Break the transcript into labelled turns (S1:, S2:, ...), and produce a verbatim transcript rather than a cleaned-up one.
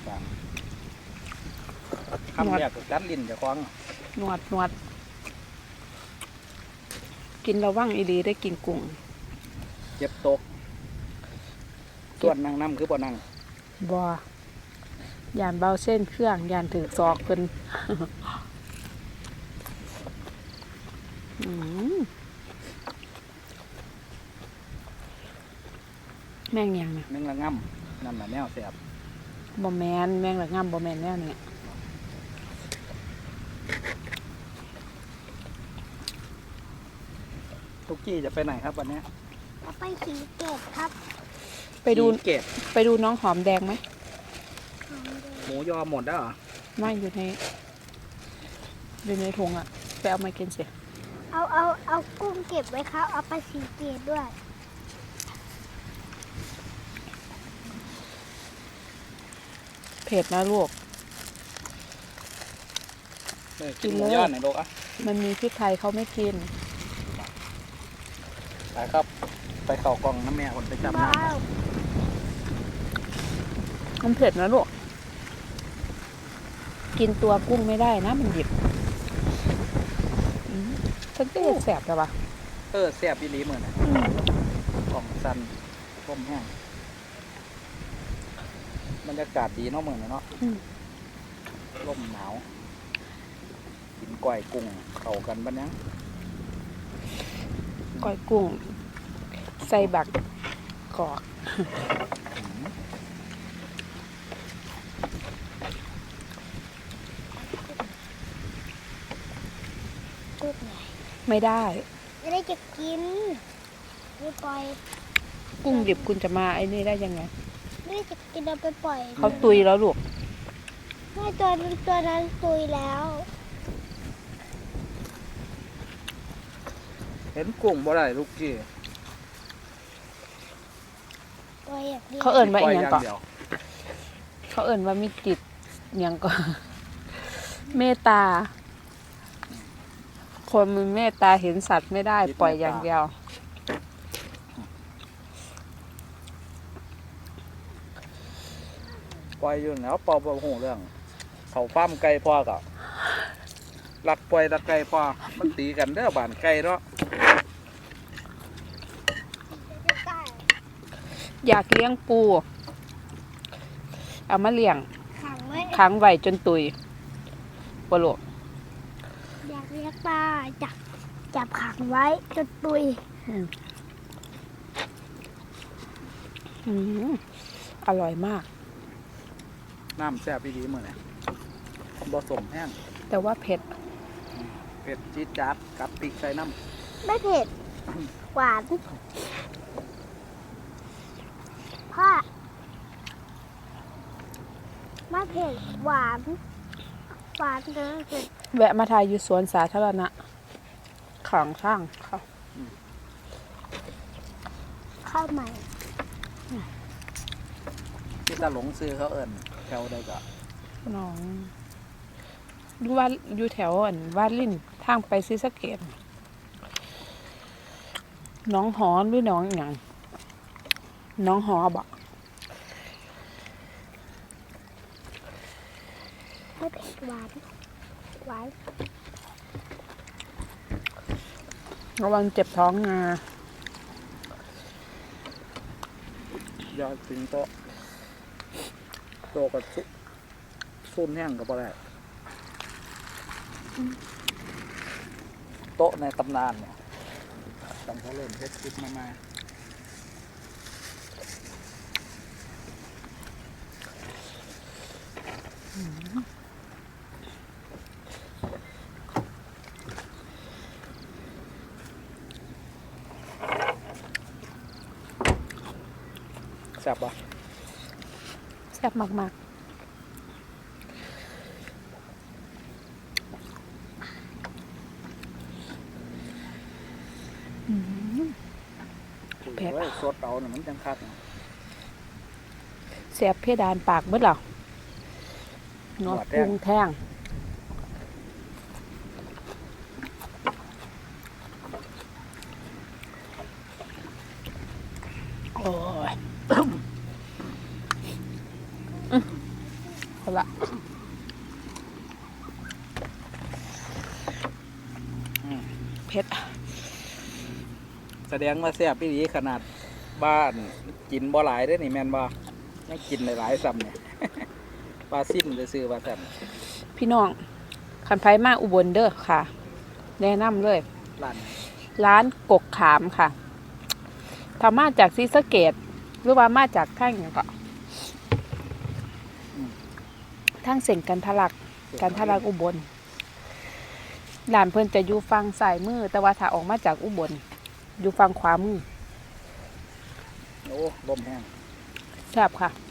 S1: คำแรกกัดลิ้นจะคล้อง
S2: หนวดหนวดกินระวังอีหลีได้กินกุ้ง
S1: เจ็บตกส่วนนั่งน้ำคือบ่นั่ง
S2: บ่ยานเบาเส้นเครื่องยานถือซอกเพิ่นแมงยังนะ
S1: แมงละง่ำนั่นแหละแนวแสบ
S2: บ่แมนแมงละง่ำบ่แมนแนวนี้
S1: ทุกกี้จะไปไหนครับวันนี้
S3: ไปสีเกตครับ
S2: ไปดู
S1: เกต
S2: ไปดูน้องหอมแดงไหม
S1: หมูยอหมดแล้วเหรอ
S2: ไม่อยู่ในอยู่ในถุงอ่ะไปเอามากินสิ
S3: เอาเอาเอากุ้งเก็บไว้ครับเอาไปสีเกตด้วย
S2: เผ็ดนะลูก
S1: กินหมูยอหน่อยลูกอ่ะ
S2: มันมีพริกไทยเขาไม่กิน
S1: ไปครับไปเข่ากล่องน้ำแม่คนไปจับน้ำ
S2: มันเผ็ดนะลูกกินตัวกุ้งไม่ได้นะมันหยิบฉันก็แสบแต่ว่า
S1: เออแสบอีหลีเหมือนนะกล่องสันต้มแห้งบรรยากาศดีเนาะเหมือนเนาะลมหนาวกินก้อยกุ้งเข้ากันบ้านยัง
S2: ก้อยกุ้งใส่บักกอกไม่ได้
S3: ไม่ได้จะกินไม่ปล่อย
S2: กุ้งดิบคุณจะมาไอ้นี่ได้ยังไง
S3: ไม่ได้จะกินเอาไปปล่อย
S2: เขาตุยแล้วลูก
S3: ไม่ตัวนั้นตัวนั้นตุยแล้ว
S1: เห็นกุ้งบ่ได้ลูกกี้
S2: เขาเอิ่นว่าอย่างก่อนเขาเอิ่นว่ามีจิตอย่างก่อนเมตตาคนมีเมตตาเห็นสัตว์ไม่ได้ปล่อยอย่างเดียว
S1: ปล่อยอยู่แล้วปอบ่หูเรื่องเขาฟ้ามไก่พ่อกับรักปล่อยรักไก่พ่อมันตีกันเด้อบ้านไก่เนาะ
S2: อยากเลี้ยงปูเอามาเลี้ยงขังไว้จนตุยปลวก
S3: อยากเลี้ยงปลาจับจับขังไว้จนตุย
S2: อร่อยมาก
S1: น้ำแซ่บดีเหมือนไงผสมแห้ง
S2: แต่ว่าเผ็ด
S1: เผ็ดจี๊ดจ๊าดกับพริกใส่น้
S3: ำไม่เผ็ดหวานพ่อไม่เผ็ดหวานหวานเลย
S2: แวะมาถ่ายอยู่สวนสาธารณะของช่างเขา
S3: เข้าใหม่
S1: ที่ตาหลงซื้อเขาเอิญแถวใดก็
S2: น้องดูว่าอยู่แถวอันวาดลิ่นทางไปซีสะเกตน้องหอหรือน้องอย่างน้องหอบอก
S3: ไม่เผ็ดหวานหวาน
S2: ระวังเจ็บท้องนะ
S1: ยอดถึงโตโตกับซุซุ่นแห้งกับอะไรโต๊ะในตำนานเนี่ยตั้งแต่เริ่มเฮ็ดคลิปมามาแซ่บปะ
S2: แซ่บมากๆ
S1: เผ็ดสดเอาหนึ่งมันจังคัก
S2: แซ่บเพดานปากเบิดหรอเนาะกุ้งแท่งโอ้ยคนละ
S1: อืม
S2: เผ็ด
S1: แสดงว่าแซ่บพี่ดีขนาดบ้านกินบ่หลายได้อนี่แม่นบ่ยังกินหลายๆซ้ำเนี่ย ปลาซิ่มจะซื้อปลาแซ่บ
S2: พี่น้องคันไผมาอุบลเด้อค่ะ แนะนำเลย
S1: ร้าน
S2: ร้านกกขามค่ะถ้ามาจากศรีสะเกษหรือว่ามาจากทางหยังก็ทางเส้นกันทะลักกันทะลักอุบลร้านเพิ่นจะอยู่ฝั่งซ้ายมือแต่ว่าถ้าออกมาจากอุบลอยู่ฝั่งขวามือ
S1: โอ้ลมแห้ง
S2: แซ่บค่ะ